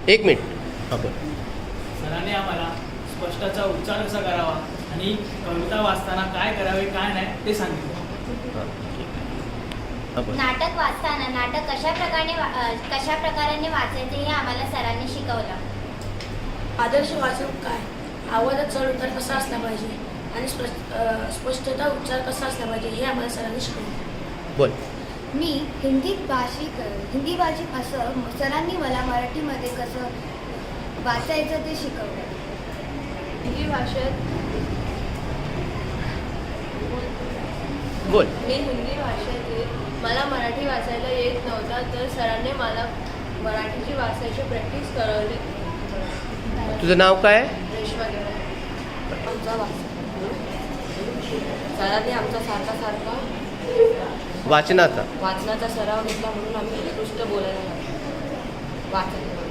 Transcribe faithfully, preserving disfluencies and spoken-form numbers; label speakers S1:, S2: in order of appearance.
S1: एक मिनिट आपण
S2: सरांनी आम्हाला स्पष्टाचा उच्चार कसा करावा आणि कविता वाचताना काय करावे काय नाही ते सांगितलं.
S1: आपण
S3: नाटक वाचताना नाटक कशा प्रकारे वा- अ, कशा प्रकाराने वाचायचे हे आम्हाला सरांनी शिकवलं.
S4: आदर्श वाचन काय, आवाजात चढ उतार कसा असला पाहिजे आणि स्पष्ट अ, स्पष्टता उच्चार कसा असला पाहिजे हे आम्हाला सरांनी शिकवलं.
S1: बोल.
S5: मी हिंदी भाषिक हिंदी भाषिक असं सरांनी मला मराठीमध्ये कसं वाचायचं ते शिकवलं.
S6: हिंदी भाषेत
S1: बोल.
S6: मी हिंदी भाषेतील मला मराठी वाचायला येत नव्हता तर सरांनी मला मराठीची वाचायची प्रॅक्टिस करवली.
S1: तुझं नाव काय?
S6: रेश्मा गेला आमचा वाच सरांनी आमचा सारखा सारखा
S1: वाचनाचा
S6: वाचनाचा सराव घेतला म्हणून आम्ही उत्कृष्ट बोलायला लागलो. वाचन